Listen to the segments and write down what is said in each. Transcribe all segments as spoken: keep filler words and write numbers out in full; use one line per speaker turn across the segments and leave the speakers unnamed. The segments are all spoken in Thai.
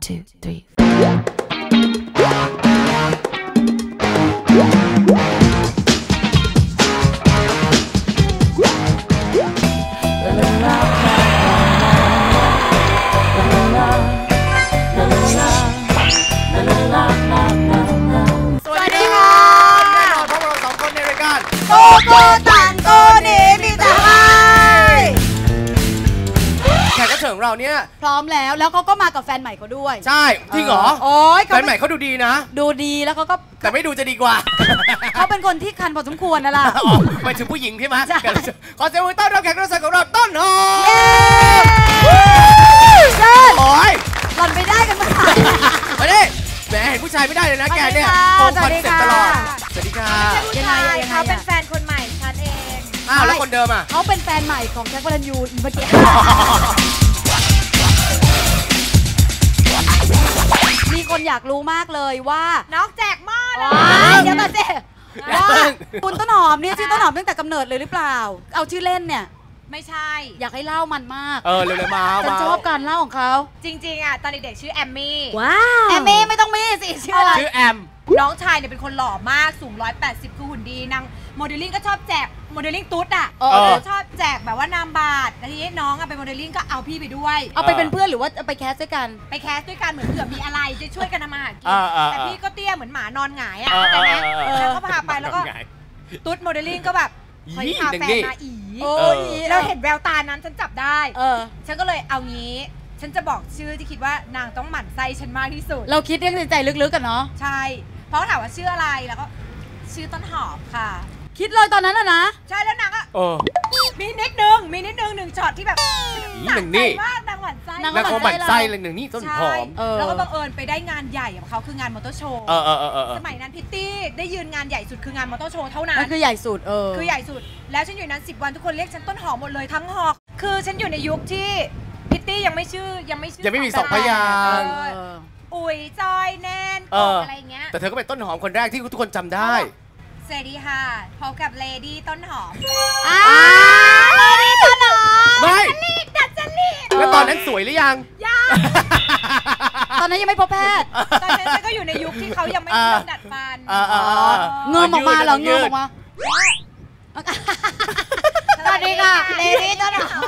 two three
สวัสดีค่ะแน่นอนพวกเราสองคนในรายการโกโก้ตันโกเนมีแต่ให้แขกรับเชิญของเราเนี่ยพร้อมแล้วแล้วเขาก็มากับแฟนใหม่เขาด้วยใช่จริงเหรอโอ้ยแฟนใหม่เขาดูดีนะดูดีแล้วเขาก็แต่ไม่ดูจะดีกว่าเขาเป็นคนที่คันพอสมควรนะล่ะไปถึงผู้หญิงใช่ไหมขอเสียงปรบมือต้อนรับแขกรับเชิญของเราต้นหอมเชิญโอ้ยหล่อนไปได้กันมามาดิแหมเห็นผู้ชายไม่ได้เลยนะแกเนี่ยโกงคอนเซ็ปต์ตลอดสวัสดีค่ะ
ยังไงเขาเป็นแฟนคนใหม่ฉันเอง
อ้าวแล้วคนเดิมอ่ะ
เขาเป็นแฟนใหม่ของแจ็ค วรัญญูเมื่อกี้มีคนอยากรู้มากเลยว่าน้องแจกหม้อเลยเดี๋ยวก่อนสิว่าคุณต้นหอมเนี่ยชื่อต้นหอมตั้งแต่กำเนิดเลยหรือเปล่าเอาชื่อเล่นเนี่ยไม่ใช่อยากให้เล่ามันมาก
เออเร็วๆมา
ฉันชอบการเล่าของเขา
จริงๆอ่ะตอนเด็กๆชื่อแอมมี่
ว้าวแอมมี่ไม่ต้องมี่สิชื่ออะไร
ชื่อแอม
น้องชายเนี่ยเป็นคนหล่อมากสูงหนึ่งร้อยแปดสิบคือหุ่นดีนางโมเดลลิ่งก็ชอบแจกโมเดลลิ่งตุ๊ดอ่ะชอบแจกแบบว่านามบัตรแล้วทีนี้น้องอ่ะเป็นโมเดลลิ่งก็เอาพี่ไปด้วย
เอาไปเป็นเพื่อนหรือว่าไปแคสด้วยกัน
ไปแคสด้วยกันเหมือนเผื่อมีอะไรจะช่วยกันทำมาหากินแต่พี่ก็เตี้ยเหมือนหมานอนหงายอ่ะเข้าใจไหมแล้วก็พาไปแล้วก็ตุ๊ดโมเดลลิ่งก็แบบคอยพาแฟนมาอีเราเห็นแววตานั้นฉันจับได้ฉันก็เลยเอางี้ฉันจะบอกชื่อที่คิดว่านางต้องหมั่นไส้ฉันมากที่สุด
เราคิดเรื่องในใจลึกๆกันเนาะ
ใช่เพราะถามว่าชื่ออะไรแล้วก็ชื่อต้นหอมค่ะ
คิดเลยตอนนั้นอะนะ
ใช่แล้วนางก็มีนิดนึงมีนิดนึงหนึ่งช็อตที่แบบ
หนึ่งนี่
มากนางหมั่นไส้
นางหมั่นไส้เลยหนึ่งนี่ต้นหอม
แล้วก็บังเอิญไปได้งานใหญ่กับเขาคืองานมอเตอร์โชว์สมัยนั้นพิตตี้ได้ยืนงานใหญ่สุดคืองานมอเตอร์โชว์เท่านั้น
คือใหญ่สุดเออ
คือใหญ่สุดแล้วฉันอยู่นั้นสิบวันทุกคนเรียกฉันต้นหอมหมดเลยทั้งหอกคือฉันอยู่ในยุคที่พิตตี้ยังไม่ชื่อยังไม่ชื่อ
ยังไม่มีสองพยางค์
อุ๋ยจอยแนนอะไรเงี้ย
แต่เธอก็เป็นต้นหอมคนแรกที่ทุกคนจำได้
สวัสดีค่ะพบกับเลดี้ต้นหอม
อ่าเลดี้ต้นหอม
ไม่
ลีดดัดจริต
แล้วตอนนั้นสวยหรือยัง
ยัง
ตอนนั้นยังไม่พบแพทย์
ตอนนั้นฉันก็อยู่ในยุคที่เขายังไม่เริ่มดัดฟัน
เงื้อออกมาเหรอเงื้อออกมาสวัสดีค่ะเลดี้ต้นหอม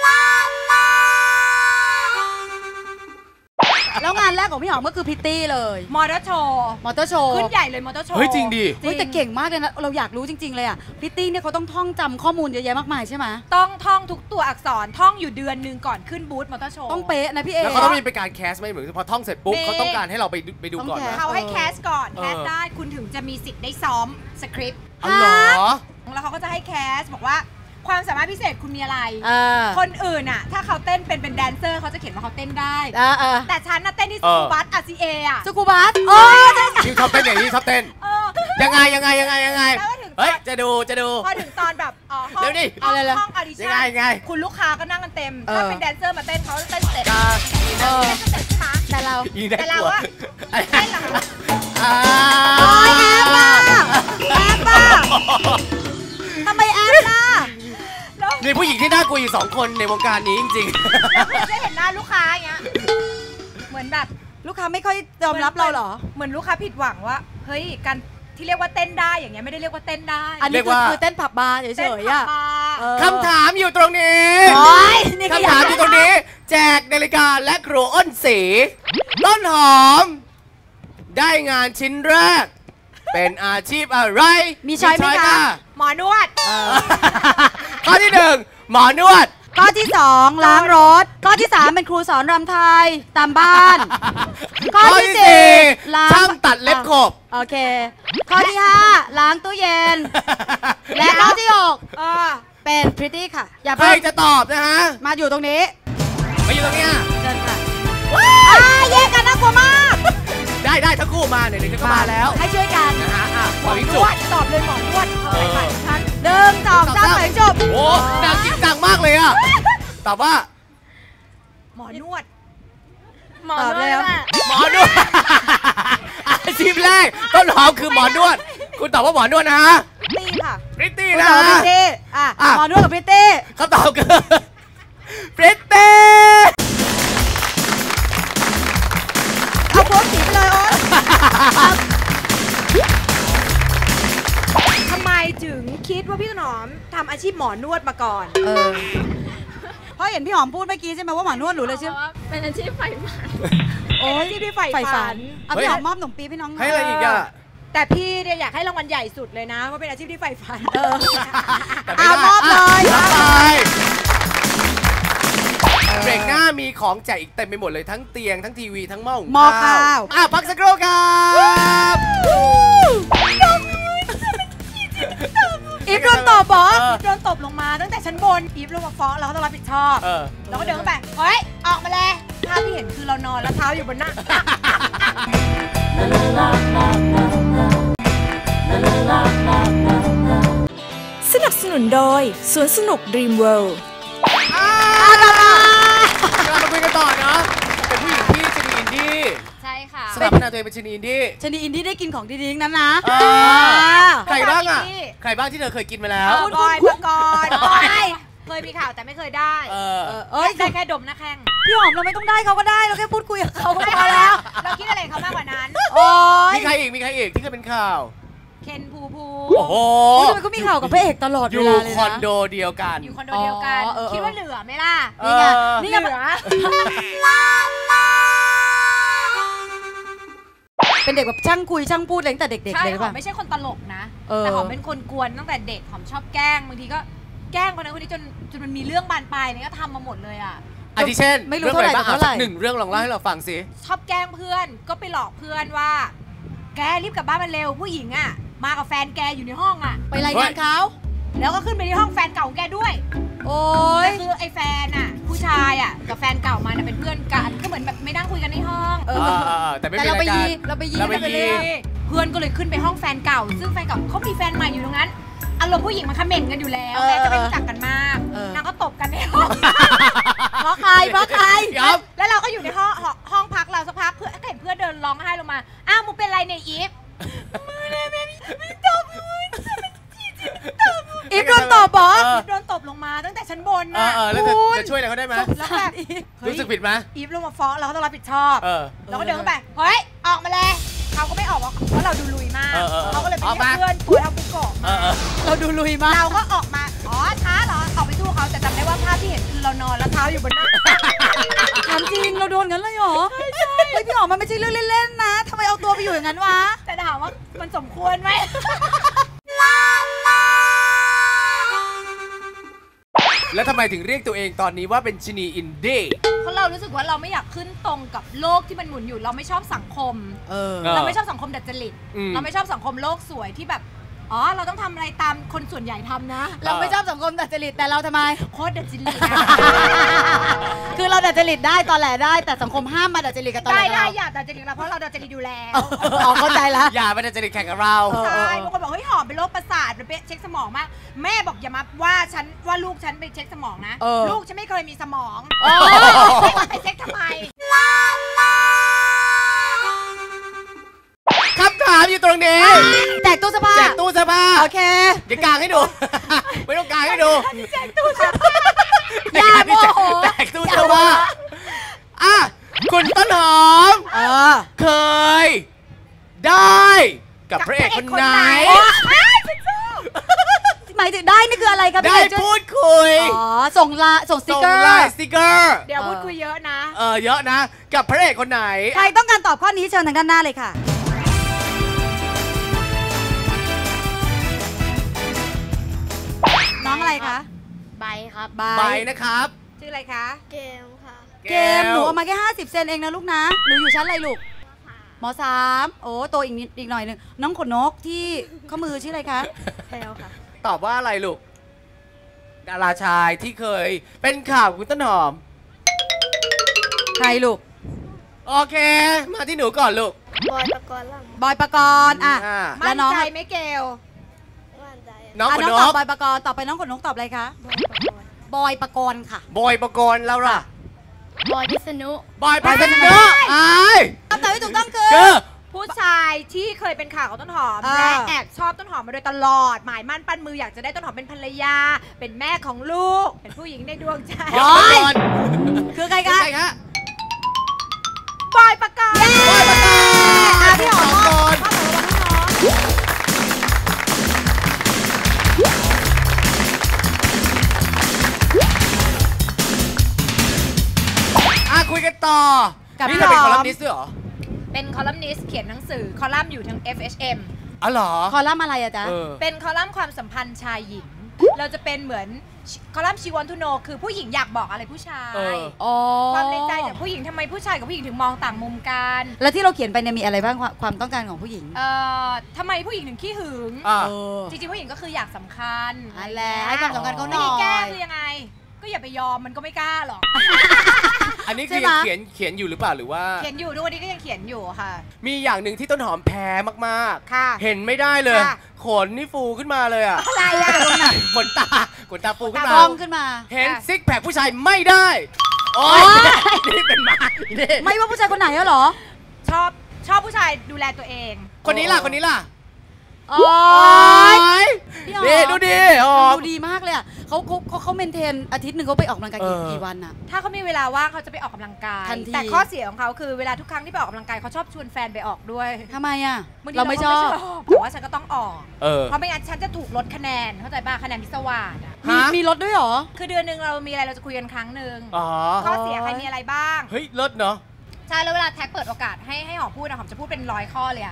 แล้วงานแรกของพี่หอมก็คือพิตตี้เลย
มอเตอร์โชว์
มอเตอร์โชว์
ขึ้นใหญ่เลยมอเตอร์โชว์
เฮ้ยจริงดิ
เฮ้ยแต่เก่งมากเลยนะเราอยากรู้จริงๆเลยอ่ะพิตตี้เนี่ยเขาต้องท่องจำข้อมูลเยอะแยะมากมายใช่ไหม
ต้องท่องทุกตัวอักษรท่องอยู่เดือนหนึ่งก่อนขึ้นบูธมอเตอร์โชว์
ต้องเป๊ะนะพี่เอ
แล้วเขาต้องมีเป็นการแคสไหมเหมือนพอท่องเสร็จปุ๊บเขาต้องการให้เราไปไปดูก่อน
เขาให้แคสก่อนแคสได้คุณถึงจะมีสิทธิ์ได้ซ้อมสคริปต์
อ๋อเหรอ
แล้วเขาก็จะให้แคสบอกว่าความสามารถพิเศษคุณมีอะไรคนอื่นอ่ะถ้าเขาเต้นเป็นเป็นแดนเซอร์เขาจะเขียนว่าเขาเต้นได้แต่ฉันน่ะเต้นที่สกูบัสอาซีเออะ
สกูบัสโอ้
ยชอบเต้นอย่างนี้ชอบเต้นยังไงยังไงยังไงยังไงเฮ้ยจะดูจะดู
พอถึงตอนแบบอ๋อห้องห้องออดิชั่น
ยังไง
คุณลูกค้าก็นั่งกันเต็มถ้าเป็นแดนเซอร์มาเต้นเขาเต้นเสร็จเต้นเสร็จใช่ไหม
แต่เรา
แต่เราอะเต้นหลัง
โอ้ยแอบล่ะแอบล่ะทำไมแอบล่ะ
มีผู้หญิงที่น่ากลัวอยู่สองคนในวงการนี้จริง
ๆได้เห็นหน้าลูกค้าอย่างเงี้ยเหมือนแบบ
ลูกค้าไม่ค่อยยอมรับเราหรอ
เหมือนลูกค้าผิดหวังว่าเฮ้ยการที่เรียกว่าเต้นได้อย่างเงี้ยไม่ได้เรียกว่าเต้นได้
อันนี้คือเต้นผับบาร์เฉยๆอ่ะ
คำถามอยู่ตรงนี้คำถามอยู่ตรงนี้แจกนาฬิกาและครัวอ้นสีต้นหอมได้งานชิ้นแรกเป็นอาชีพอะไร
มีช้อยไหมคะ
หมอนวด
ข้อที่หนึ่งหมอนวด
ข้อที่สองล้างรถข้อที่สามเป็นครูสอนรำไทยตามบ้าน
ข้อที่สี่ช่างตัดเล็บขบ
โอเคข้อที่ห้าล้างตู้เย็นและข้อที่หกเป็นพริตตี้ค่ะ
อย่าใครจะตอบนะฮะ
มาอยู่ตรงนี้
มาอยู่ตรงนี้
เชิญค่ะแยกกันน่ากลัวมาก
ได้ได้ทั้งคู่มาเนี่ยเดี๋ยวก็มาแล้ว
ให้ช่วยกัน
นะฮะ
หมอนวดตอบเลยหมอนวดเออฉัน
หนึ่งสองสามไปจบ
โอ้ดังจริงจังมากเลยอ่ะตอบว่า
หมอนวด
หมอนวด
หมอนวดอาชีพแรกต้นหอมคือหมอนวดคุณตอบว่าหมอนวดนะฮะ
ตีค่ะ
พริตตี้นะ
พริตตี้อ่ะหมอนวดกับพริตตี้
เขาตอบคือพริตตี้
อาชีพหมอนวดมาก่อน
เออเพราะเห็นพี่หอมพูดเมื่อกี้ใช่ไหมว่าหมอนวดหนูเลยใช่ไหม
เป็นอาชีพใฝ่ฝัน
โอ้ยที่พี่ใฝ่ฝัน
เอาพี่หอมมอบขนมปี๊บให้น้อง
ให้อะไรอีกอะ
แต่พี่เนี่ยอยากให้รางวัลใหญ่สุดเลยนะว่าเป็นอาชีพที่ใฝ่ฝัน
เออเอามอบเลย
เบรกหน้ามีของแจกอีกเต็มไปหมดเลยทั้งเตียงทั้งทีวีทั้งหม้อหุง
ข้าว
อ่ะพักสักครู่ครับ
อีฟโดนตบปะโดนตบลงมาตั้งแต่ชั้นบนอีฟลงมาฟ้องเราก็ต้องรับผิดชอบเราก็เดินเข้าไปเฮ้ยออกมาเลยภาพที่เห็นคือเรานอนแล้วเท้าอยู่บนหน้า
สนับสนุนโดยสวนสนุก Dream World
กลับมาคุยกันต่อเนาะเป็นผู้หญิงที่ชนีอินดี้
ใช่ค่ะ
สถาปนาตัวเองเป็นชนีอินดี้
ชนีอินดี้ได้กินของดีๆนั้นนะ
ใครบ้างอ่ะใครบ้างที่เธอเคยกินมาแล้ว
บอยปกรณ์บอยเคยมีข่าวแต่ไม่เคยได้เออเอ้ยได้แค่ดมหน้าแข้ง
พี่หอมเราไม่ต้องได้เขาก็ได้เราแค่พูดคุยกับเขาก็พอแล้ว
เราคิดอะไรเขามากกว่านั้น
โอ้ยมีใครอีกมีใครอีกที่เคยเป็นข่าว
เคนภูภู
โอ้โห
ทำไมก็มีข่าวกับพระเอกตลอดเวลาเลยนะ
อยู่คอนโดเดียวกัน
อยู่คอนโดเดียวกันคิดว่าเหลือไหมล่ะ
นี่ไงนี่ไงเป็นเด็กแบบช่างคุยช่างพูดตั้งแต่เด็กๆเลยป่ะ
ไม่ใช่คนตลกนะแต่หอมเป็นคนกวนตั้งแต่เด็กหอมชอบแกล้งบางทีก็แกล้งคนนั้นคนนี้จนจนมันมีเรื่องบานปลายนี่ก็ทำมาหมดเลยอ่ะ
อาทิเช่นไม่รู้เท่าไหร่เท่าไหร่หนึ่งเรื่องลองเล่าให้เราฟังสิ
ชอบแกล้งเพื่อนก็ไปหลอกเพื่อนว่าแกรีบกลับบ้านมาเร็วผู้หญิงอ่ะมากับแฟนแกอยู่ในห้องอ่ะ
ไปรายงานเขา
แล้วก็ขึ้นไปที่ห้องแฟนเก่าแกด้วย
โอ้ย
คือไอ้แฟนอ่ะผู้ชายอ่ะกับแฟนเก่ามาเป็นเพื่อนกันก็เหมือนแบบไม่นั่งคุยกันในห้อง
เออแต่ไม่เป็น
เราไปยี
เราไปยีเราไปยีเพื่อนก็เลยขึ้นไปห้องแฟนเก่าซึ่งแฟนเก่าเขามีแฟนใหม่อยู่ตรงนั้นอารมณ์ผู้หญิงมันคอมเมนต์กันอยู่แล้วแม่จะไม่รู้จักกันมากนางก็ตบกันในห้อง
เพราะใครเพราะใคร
แล้วเราก็อยู่ในห้องห้องพักเราสักพักเพื่อนเห็นเพื่อนเดินร้องไห้ลงมาอ้าวมึงเป็นไรในอีฟมือเลยแม่ไม่ตบมือ
อีฟโดนตบปะ
อีฟโดนตบลงมาตั้งแต่ชั้นบนนะ
แล้วจะช่วยอะไรเขาได้ไหม
แล้วแบบ
รู้สึกผิดไหม
อีฟลงมาฟ้องเราก็ต้องรับผิดชอบเราก็เดินเข้าไปเฮ้ยออกมาเลยเขาก็ไม่ออกเพราะเราดูลุยมากเขาก็เลยไปเรียกเพื่อนตัวเท่าปุ๊กโกะ
เราดูลุยมาก
เราก็ออกมาอ๋อช้าเหรอออกไปสู้เขาแต่จำได้ว่าภาพที่เห็นคือเรานอนแล้วเท้าอยู่บนหน้า
ถามจริงเราโดนงั้นเลยเหรอใช่ใช่เฮ้ยพี่หอมมันไม่ใช่เรื่องเล่นๆนะทำไมเอาตัวไปอยู่อย่างนั้นวะ
แต่ถามว่ามันสมควรไหม
แล้วทำไมถึงเรียกตัวเองตอนนี้ว่าเป็นชนีอินดี้
เพราะเรารู้สึกว่าเราไม่อยากขึ้นตรงกับโลกที่มันหมุนอยู่เราไม่ชอบสังคมเราไม่ชอบสังคมดัดจริตเราไม่ชอบสังคมโลกสวยที่แบบอ๋อเราต้องทำอะไรตามคนส่วนใหญ่ทำนะ
เราไม่ชอบสังคมดัดจริตแต่เราทำไม
โคตรดัดจริต
คือเราดัดจริตได้ตอนแหลได้แต่สังคมห้ามมาดัดจริตกับตอนแหล
ได้ได้อย่าดัดจริตเราเพราะเราดัดจริตอยู่แล้ว
อ๋อเข้าใจแล้ว
อย่ามาดัดจริตแข่งกับเรา
ใช่บางคนบอกเฮ้ยหอมเป็นโรคประสาทเป็นเช็คสมองมากแม่บอกอย่ามาว่าฉันว่าลูกฉันไปเช็คสมองนะลูกฉันไม่เคยมีสมองไปเช็คทำไม
คำถามอยู่ตรงนี้
แจกตู้เสื้อผ้า
แจกตู้เสื้อผ้า
โอเค
เดี๋ยวกางให้ดูไม่ต้องกางให้ดู
แจกตู้เสื้อผ้า
อย่าโมโห
แจกตู้เสื้อผ้าอ่ะคุณต้นหอมเคยได้กับพระเอกคนไหน
หมายถึงได้นี่คืออะไรครับ
ได้พูดคุย
อ๋อส่งลาส่งสติ๊กเกอร์
ส่งสติ๊กเกอร์
เดี๋ยวพูดคุยเยอะนะ
เออเยอะนะกับพระเอกคนไหน
ใครต้องการตอบข้อนี้เชิญทางด้านหน้าเลยค่ะน้องอะไรคะ
ใบครับ
ใบนะครับ
ชื่ออะไรคะ
เกมค่ะ
เกมหนูเอามาแค่ห้าสิบเซนเองนะลูกนะหนูอยู่ชั้นอะไรลูกม.สามโอ้โตอีกนิดอีกหน่อยหนึ่งน้องขนนกที่ข้อมือชื่ออะไรคะ
แพลวค่ะ
ตอบว่าอะไรลูกดาราชายที่เคยเป็นข่าวคุณต้นหอม
ใครลูก
โอเคมาที่หนูก่อนลูก
บอยปกรณ์
บอยปกรณ์อ่ะ
แล้วน้องใจไม่เกล
น้องขนนก
ตอบบอยปกรณ์ต่อไปน้องขนนกตอบอะไรคะบอยปกรณ์ค่ะ
บอยปกรณ์แล้วล่ะ
บอยพิษณุ
บอยพิษณุไอ้
คำตอบที่ถูกต้องคือ
ผู้ชายที่เคยเป็นข่าวกับต้นหอมและแอบชอบต้นหอมมาโดยตลอดหมายมั่นปั้นมืออยากจะได้ต้นหอมเป็นภรรยาเป็นแม่ของลูกเป็นผู้หญิงในดวงใจ
คือใครคะ
บอยปกรณ์
บอยปกรณ์
พี่หอมก่อน
คุยกันต่อ
กับ
นี่
พี่
เธอเป็น
ห
ค
อ
อ
ม
ลัมนิสต์ด้วยเหรอ
เป็นคอลัมนิสต์เขียนหนังสือคอลัมน์อยู่ทั้ง เอฟ เอช เอ็ม
อ๋อเหรอ
คอลัมน์อะไรอะจ๊ะ
เออ
เป็นคอลัมน์ความสัมพันธ์ชายหญิง เราจะเป็นเหมือนคอลัมน์ชีวอนทูโนคือผู้หญิงอยากบอกอะไรผู้ชาย
เออ
อ๋อ
ความในใจจากผู้หญิงทำไมผู้ชายกับผู้หญิงถึงมองต่างมุมกัน
แล้วที่เราเขียนไปเนี่ยมีอะไรบ้างความความต้องการของผู้หญิง
เอ่อทำไมผู้หญิงถึงขี้หึง
อ่ะ
เออ
จริงๆผู้หญิงก็คืออยากสำคัญ
อันแหละให้ความสำคัญเขาห
วิ
น่อ
ธีแก้
ย
คือยังไง ก็อย่าไปยอมมันก็ไม่กล้าหรอก
อันนี้คือ
ใช่ไหม
ยังเขียนเขียนอยู่หรือเปล่าหรือว่า
เขียนอยู่ทุกวันนี้ก็ยังเขียนอยู่ค่ะ
มีอย่างหนึ่งที่ต้นหอมแพ้มาก
ค่ะ
ๆ เห็นไม่ได้เลย
ค่ะ
ขนนี่ฟูขึ้นมาเลยอ่ะ
อะไรอะ
ขนตาขนตาฟูขึ้นมา
กล้องขึ้นมา
เห็นซิกแพคผู้ชายไม่ได้ โอ๊ยนี่เป็นหมานี่
ไม่ว่าผู้ชายคนไหนอะเหรอ
ชอบชอบผู้ชายดูแลตัวเอง
คนนี้ล่ะคนนี้ล่ะ
โอ๊ย
ย
พี่หอม
นี่ดูดิหอม
ดูดีมากเลยอะเขาเขาเขาเขาเมนเทนอาทิตย์หนึ่งเขาไปออกกำลังกายกี่
เออ
กี่วันอะ
ถ้าเขามีเวลาว่างเขาจะไปออกกำลังกาย
ทันที
แต่ข้อเสียของเขาคือเวลาทุกครั้งที่ไปออกกำลังกายเขาชอบชวนแฟนไปออกด้วย
ทำไมอะ
บงที
เราไม่ชอบ
ก็แต่ว่าฉันก็ต้องออก
เออ
เพราะไม่งั้นฉันจะถูกลดคะแนนเข้าใจป่ะคะแนนพิศวาสอะ
มี
ฮะ
มีรถด้วยเหรอ
คือเดือนหนึ่งเรามีอะไรเราจะคุยกันครั้งหนึ่ง
อ๋อ
ข้อเสียใครมีอะไรบ้าง
เฮ้ยเลิศเนาะ
ใช่แล้วเวลาแท็กเปิดโอกาสให้ให้หอมพูดนะหอมจะพูดเป็นร้อยข้อเลยอะ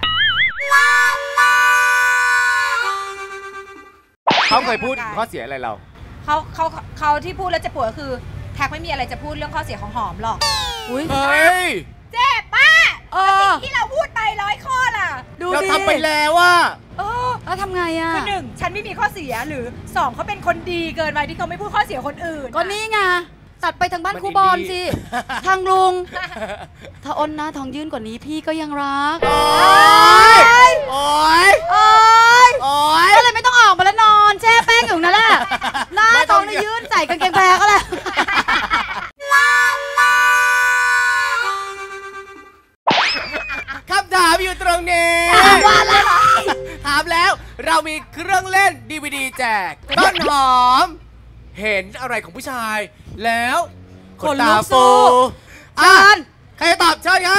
เขาเคยพูดข้อเสียอะไรเรา
เขาเขาเขาที่พูดแล้วเจะปวดก็คือแท็กไม่มีอะไรจะพูดเรื่องข้อเสียของหอมหรอก
อุ้ย
เฮ้ย
เจ็บป้า
เออ
ที่เราพูดไปร้อยข้อล่ะ
ดู
เรา
ดิ
ทำไปแล้วว่า
เออ
แล้วทำไงอะ
คือหนึ่งฉันไม่มีข้อเสียหรือสองเขาเป็นคนดีเกินไปที่เขาไม่พูดข้อเสียคนอื่น
ก็นี่ไงตัดไปทางบ้าน
มัน
ครูบอล
อินดี้
สิ ทางลุง ถ้าอ้นหน้าทองยื่นกว่านี้พี่ก็ยังรัก
โอ๊ย โอ๊ย
โอ๊ย
โอ๊ย
ก็เลยไม่ต้องออกมาแล้วนอนแช่แป้งอยู่นั่นแหละหน้า
ไม่
ท
ต้
อ
อง ง
นี่ยื่นใส่กางเกงแพรก็แล้ว
คำถามอยู่ตรงนี้ ถามแล้วเรามีเครื่องเล่น ดี วี ดี แจก ต้นหอม เห็นอะไรของผู้ชาย แล้ว
ขนลุกสู้
อ่ะ
เชิญ
ใครจะตอบเชิญครับ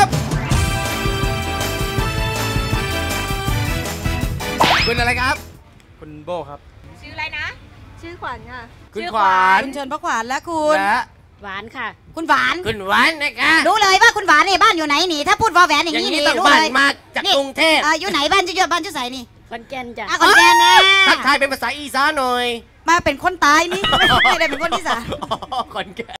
คุณอะไรครับ
คุณโบครับ
ชื่ออะไรนะ
ชื่อขวัญค่ะ
คุณขวาน
คุณเชิญพระขวัญและคุณ
และ
หวานค่ะ
คุณหวาน
คุณหวานนะคะ
รู้เลยว่าคุณหวานเนี่ยบ้านอยู่ไหนนี่ ถ้าพูดวอแหวนอย่าง
อย่าง
นี้
นี้
นี่
ต้อง
รู้
บ้าน
เลย
มาจากกรุงเทพ
อ่าอยู่ไหนบ้านจะอยู่บ้านจะใส่นี่
ขอนแก่นจ้ะ
อ่ะคนแก่นนะ
ทักทายเป็นภาษาอีสานหน่อย
มาเป็นคนตายนี่ ไม่ไม่ได้เป็นคนที่สาม
อ๋อขอนแก่น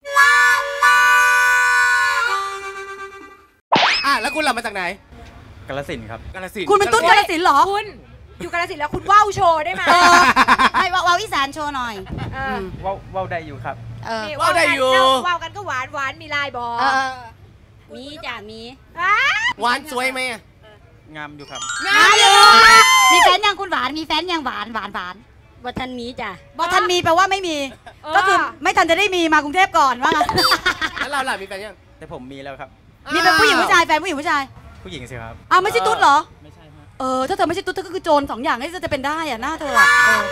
อ่ะแล้วคุณหลับมาจากไหน
กาฬสินธุ์ครับ
กาฬสินธุ์
คุณเป็นตุ้นกาฬสินธุ์เหรอ
คุณอยู่กาฬสินธุ์แล้วคุณว่าวโชว์ได้ไหม
ให้ว่าวาวอีสานโชว์หน่อย
เออ
ว่าวว่าวได้อยู่ครับ
เออ
นี่
ว่าวได้อยู่
กันว่าวกันก็หวานหวานมีลายบอ
เออ
มีจ้ะมี
อ่ะ
หวานสวยไหมอะ
งามอยู่ครับ
งามอยู่
มีแฟนยังคุณหวานมีแฟนยังหวานหวานหวาน
วัทันมีจ้ะ
บอทันมีแปลว่าไม่มี ก็คือไม่ทันจะได้มีมากรุงเทพก่อนว่างั้น
แล้วเราล่ะมีแฟนยัง
แต่ผมมีแล้วครับ
มีเป็นผู้หญิงผู้ชายแฟนผู้หญิงผู้ชาย
ผู้หญิงสิครับ
อ้าวไม่ใช่ตุ๊ดเหรอ
ไม่ใช่ฮะ
เออถ้าเธอไม่ใช่ตุ๊ดเธอก็คือโจรสองอย่างที่จะเป็นได้อะหน้าเธออะเออ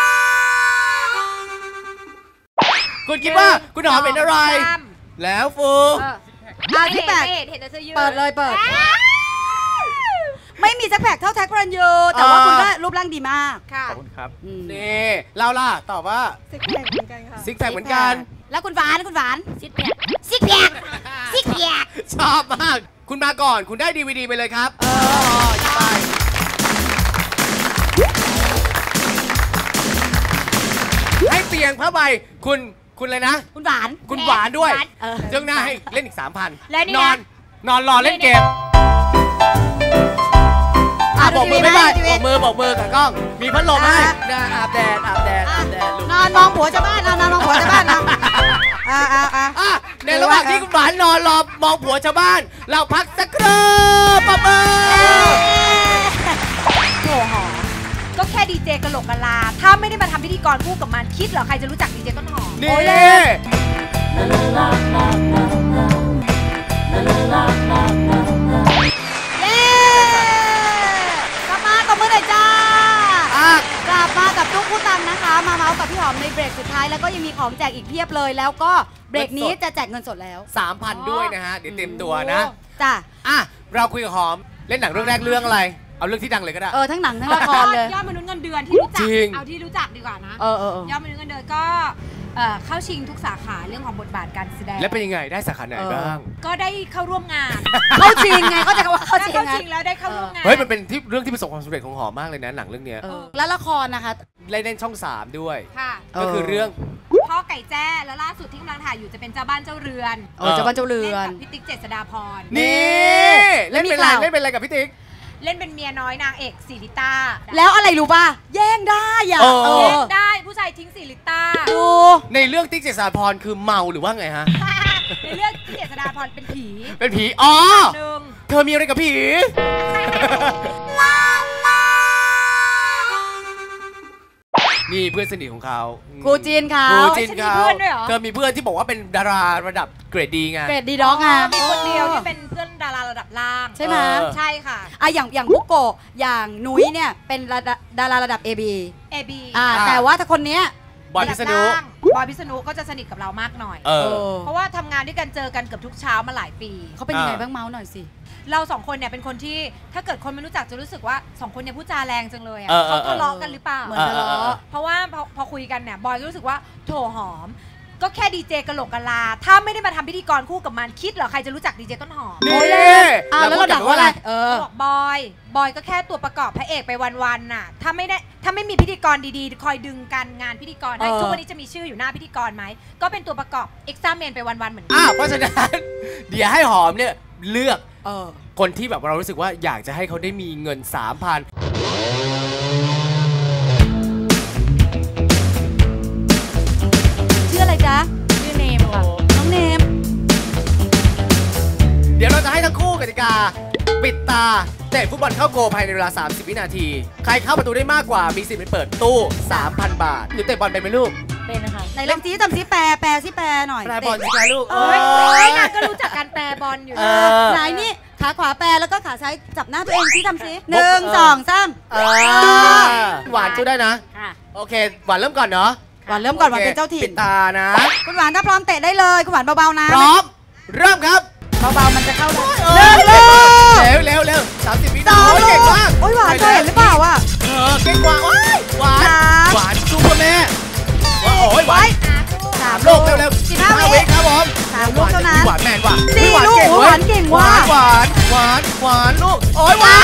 คุณคิดว่าคุณหอมเป็นอะไร
ตาม
แล้วฟู
เออ
อ่ะ
ไม่
ที่
เห็น
แปด
ไม่เห็นเห็นแต่เสื้อยืด
เปิดเลยเปิด ไม่มีแซ็คแพคเท่าแท็กพระรันยูแต่ว่าคุณก็รูปร่างดีมาก
ค่ะ
ขอบคุณครับ
อืม
นี่เราล่ะตอบว่า
ซิกแพคเหมือนกันค่ะ
ซิกแพคเหมือนกัน
แล้วคุณหวานคุณหวาน
ซิกแพค
ซิกแพคซิกแพค
ชอบมาก คุณมาก่อน คุณได้ดีวีดีไปเลยครับ เออไปให้เตียงผ้าใบคุณคุณเลยนะ
คุณหวาน
คุณหวานด้วย
เออ
เจ้าหน้าให้เล่นอีกสามพัน
และนี่
น
นะ
อน นอนรอเล่นเกม
อ่ะ
บอกมือ
ดู
ไม่
ทีวี
ได้
ไหม
บอกมือบอกมือกับกล้อง มีพัดลมให้
อ่ะ
นะอาบแดดอาบแดดอาบแดดลูก
นอนมองผัวชาวบ้านนะนอนมองผัวชาวบ้านนะอ่าอ่าอ่า
อ่ะในระหว่างที่คุณหวานนอนรอมองผัวชาวบ้าน เราพักสักครู่ปะเบอ
โถหอมก็แค่ดีเจกะโหลกกะลา ถ้าไม่ได้มาทำพิธีกรคู่กับมันคิดเหรอใครจะรู้จักดีเจต้นหอม
นี่
เย้กลับมาตบมือหน่อยจ้า
อ่ะ
กลับมากับตุ๊กผู้ตังนะคะ มาเมาส์กับพี่หอมในเบรกสุดท้ายแล้วก็ยังมีของแจกอีกเพียบเลย แล้วก็เบรกนี้จะแจกเงินสดแล้ว
สามพันด้วยนะฮะ เดี๋ยวเต็มตัวนะ
จ้ะ
อ่ะ เราคุยกับหอม เล่นหนังเรื่องแรกเรื่องอะไร เอาเรื่องที่ดังเลยก็ได้
เออทั้งหนังทั้งละครเลย
ยอดมนุษย์เงินเดือนที่รู้จั
จ
ก
ริง
เอาที่รู้จักดีกว่านะ
เออเออเออย
อดมนุษย์เงินเดือนก็เเอ่อเข้าชิงทุกสาขาเรื่องของบทบาทการแสดง
และเป็นยังไงได้สาขาไหนบ้าง
ก็ได้เข้าร่วมงาน
เข้าจริงไงเขาจะว่าเข้า
ได้
จริง
เข้า
ไง
ชิงแล้วได้เข้าร่วมงาน
เฮ้ยมันเป็นที่เรื่องที่ประสบความสำเร็จของหอมมากเลยนะหนังเรื่องเนี้ย
เออแล้วละครนะคะ
เล่นเล่นช่องสามด้วย
ค่ะ
ก็คือเรื่อง
พ่อไก่แจ้แล้วล่าสุดที่กำลังถ่ายอยู่จะเป็นเจ้าบ้านเจ้าเรือน
เออเจ้าบ้านเจ้าเรื
เล่น
อน
กับพี่ติ๊กเจษฎาพร
นี่เล่นเป็นอะไร
แล้วมีข่าว
เล่นเป็นอะไรกับพี่ติ๊ก
เล่นเป็นเมียน้อยนางเอกสิริต้า
แล้วอะไรรู้ป่ะแย่งได้อ่ะ
เออ
เอ
เล่
อน
ได้ผู้ชายทิ้งสิริต้า
ดู
ในเรื่องติ๊กเจษฎาพรคือเมาหรือว่าไงฮะ
ในเรื่องพี่เจษฎาพรเป็นผี
เป็นผีอ๋อ
หนึ่ง
เธอมีอะไรกับผี นี่เพื่อนสนิทของเขา
ครูจีนเขา
ครูจีน
ฉันมี
เขา
เพื่อนด้วยเหรอ
เธอมีเพื่อนที่บอกว่าเป็นดาราระดับเกรดดีไง
เกรดดีด็อกไง
มีคนเดียวที่เป็นเพื่อนดาราระดับล่าง
ใช่ไหม
เออ
ใช่ค่ะ
อ่ะอย่างอย่างบุกโกะอย่างนุ้ยเนี่ยเป็นระดับดาราระดับ เอ บี
เอบี
อ่า
อ่า
แต่ว่าถ้าคนเนี้ย
บอยพิษณุ
บอยพิษณุก็จะสนิทกับเรามากหน่อย
เอ
เอ
อ
อ
เพราะว่าทำงานด้วยกันเจอกันเกือบทุกเช้ามาหลายปี
เขาเป็นยังไง
อ่า
บ้างเมาส์หน่อยสิ
เราสองคนเนี่ยเป็นคนที่ถ้าเกิดคนไม่รู้จักจะรู้สึกว่าสองคนเนี่ยพูดจาแรงจังเลยอ่ะ
เออเออ
เขาทะเลาะกันหรือเปล่า
เหมือนทะเลาะ
เพราะว่าพอพอคุยกันเนี่ยบอยก็รู้สึกว่าโถหอม ก็แค่ดีเจกะโหลกกะลา ถ้าไม่ได้มาทำพิธีกรคู่กับมันคิดเหรอใครจะรู้จักดีเจต้นหอม
นี่
อ่าแล้วเราดักว่าอะไร เออ
บอกบอยบอยก็แค่ตัวประกอบพระเอกไปวันๆน่ะถ้าไม่ได้ถ้าไม่มีพิธีกรดีๆ คอยดึงกันงานพิธีกรให้
เออ
ทุกวันนี้จะมีชื่ออยู่หน้าพิธีกรไหมก็เป็นตัวประกอบเอ็กซ์ตร้าเมนไปวันๆเหมือนกั
อ้าวเพราะฉะนั้น เดี๋ยวให้หอมเนี่ยเลือก
เออ
คนที่แบบเรารู้สึกว่าอยากจะให้เขาได้มีเงิน สามพัน
ชื่ออะไรจ๊ะ ชื่อเนมค่ะ น้องเนม
เดี๋ยวเราจะให้ทั้งคู่กติกา ปิดตาเตะฟุตบอลเข้าโกลภายในเวลา สามสิบ วินาที ใครเข้าประตูได้มากกว่ามีสิทธิ์ไปเปิดตู้ สามพัน บาทหรือเตะบอลเป็นไหมลูก
เป็นนะคะ
ไหนลองซีทำซีแปรแปรซีแปรหน่อย
แปรบอลสิคะลูก
เอ้ย
โอ้
เอ้
ย
ยนางก็รู้จักการแปรบอลอยู่
เอ
นะ
อ
ไหนนี่ขาขวาแปรแล้วก็ขาซ้ายจับหน้าตัวเองซีทำซีหนึ่งสองสาม
เออหวานช่วยได้นะ
ค่ะ
โอเค หวานเริ่มก่อนเนาะ
หวานเริ่มก่อนหวานเป็นเจ้าถิ่
ปิ
น
ดตานะ
คุณหวานถ้าพร้อมเตะได้เลย คุณหวานเบาๆนะ
พร้อม เริ่มครับ
เบาๆมันจะเข้าได้
เร็ว
เร็ว
เร็วเร็วเร็วสามสิบวิ
ส
นา
อง
ทีเก่งมาก
โอ้ยหวานเธอเห็นหรือเปล่าอ่ะ
เออเก่งกว่าว้ายหวาน
สาม
หวานสู้เพื่อแม่ว้าวโอ้ยหวาน
สาม
โล
ลู
ก
ก
เร็วเร็ว
สิบห้าวิ
วิครับผม
สามลูกเท่านั้น
หวานแมนว่ะ
สี่
หวาน
ลูก
เก่ง
ห
เว้ยว
านเก่ง
หวา
ว่ะ
นหวานหวานหวานลูกโอ้ยหวาน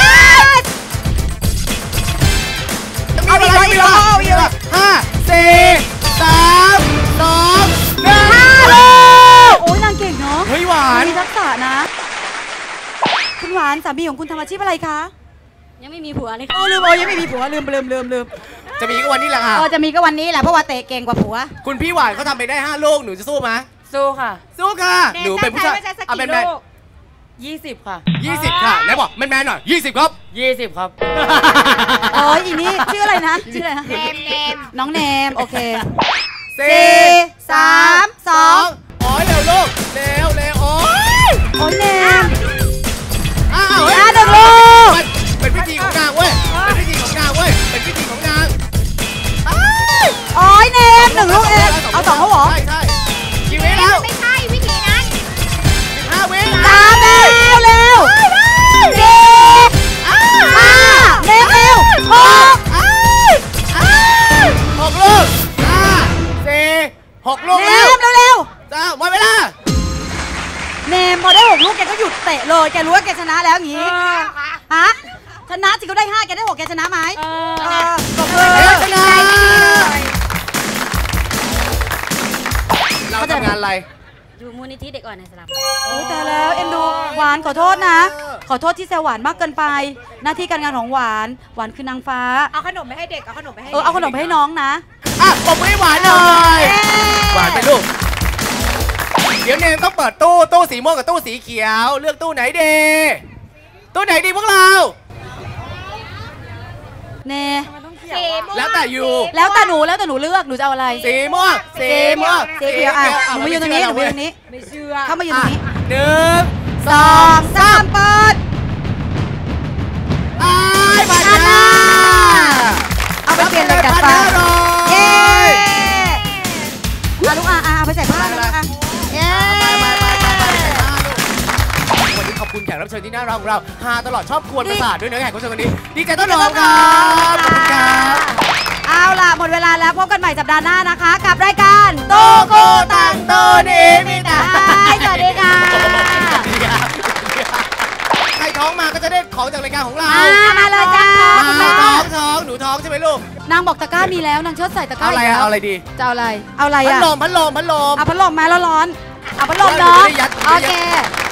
เอาอีกเอาอีกเอาอีก
ห้าสี่สามสองหนึ่ง
โอ้ยนางเก่งเนาะ
เฮ้ยหวาน
มีทักษะนะ คุณหวานสามีของคุณทำอาชีพอะไรคะ
ยังไม่มีผัวเลย
โอ้
ค่ะ
ลืมโอ้ยังไม่มีผัวลืมลืมลืมลืม
จะมีก็วันนี้แหละค่ะ
เออจะมีก็วันนี้แหละเพราะว่าเตะเก่งกว่าผัว
คุณพี่หวานเขาทำไปได้ห้าลูกหนูจะสู้ไหม
สู้ค่ะ
สู้ค่ะหนูเป็นผู้ชาย
ไม่ใช่สัก
เอา
กี่
เป็นแมน
ลูก
ยี่สิบค่ะ
ยี่สิบค่ะไหนบอกแมนแมนหน่อยยี่สิบครับ
ยี่สิบครับโอ้ยอีนี่ชื่ออะไรนะชื่ออะไรนะ
เนมเนม
น้องเนมโอเค
สี่
สี่สามสอง
โอ้ยเร็วลูกเร็วเร็วโอ้ย
โอ้ยเนม
อ้าวเฮ้ย
อ่ะหนึ่งลูก
มันเป็นพิธีของนางเว้ยเป็นพิธีของนางเว้ยเป็นพิธีของนางอ้าย
โอ้ยเนมหนึ่งลูกเองเอาสองเขาเหรอ
ใช่ใช่กี่วิแล้ว
ไม่ใช่วิธีนั้น
สิบห้าวิ
สามเร็วเร็วสี่ห้าเร็วเร็วหก
อ้ายอ้ายหกลูกห้าสี่หกลูก
เน
แล้ว
มเร็วเร็ว
จ้าหมดเวลา
เนมพอได้หกลูกแกก็หยุดเตะเลยแกรู้ว่าแกชนะแล้วอย่างงี้ฮะชนะสิเขาได้ห้าแกได้หกแกชนะไหมเออตบมือ
เฮ้ยชนะเราทำงานอะไร
อยู่มูลนิธิเด็กอ่อนในสลับ
โอ้ยแต่แล้วเอ็นดูหวานขอโทษนะ ขอโทษที่แซวหวานมากเกินไป หน้าที่การงานของหวานหวานคือนางฟ้า
เอาขนมไปให้เด็กเอาขนมไปให้
เออเอาขนมไปให้น้องนะ
อ่ะปมมือให้หวานหน่อย หวานไปลูก เดี๋ยวเนมต้องเปิดตู้ตู้สีม่วงกับตู้สีเขียว เลือกตู้ไหนดี ตู้ไหนดีพวกเรา
เน
สีม่วง
แล้วแต่อยู่
แล้วแต่หนูแล้วแต่หนูเลือกหนูจะเอาอะไร
สีม่วงสีม่วง
สีเขียวอ่ะหนูมาอยู่ตรงนี้หนูมาอยู่ตรงนี้
ไม่เชื่อ
เข้ามาอยู่ตรงนี้
หนึ่ง
สองสามเปิด
อ้ายบาดา
เอาไปเปลี่ยนเลยกัดฟันเย้อ่ะลูกอ่ะอ่ะเอาไปใส่ผ้าลูกอ่ะเย้
วันนี้ขอบคุณแขกรับเชิญที่น่ารักของเราฮาตลอดชอบกวนประสาทด้วยเนื้อแขกรับเชิญวันนี้ ดีใจต้อนรับครับ ขอบคุณครับ
เอาล่ะหมดเวลาแล้วพบกันใหม่สัปดาห์หน้านะคะ กับรายการตู้
ของจากรายการของเรา
มาเลยจ้า
มาท้องท้องหนูท้องใช่ไหมลูก
นางบอกตะกร้ามีแล้วนางเชิดใส่ตะกร้า
เอาอะไรอะเอาอะไรดี
จะเอาอะไรเอาอะไร
พัด
อะ
ลมพัดลมพัดลม
เอาพัดลมมาแล้วร้อนเอาพัดลมเนาะโอเค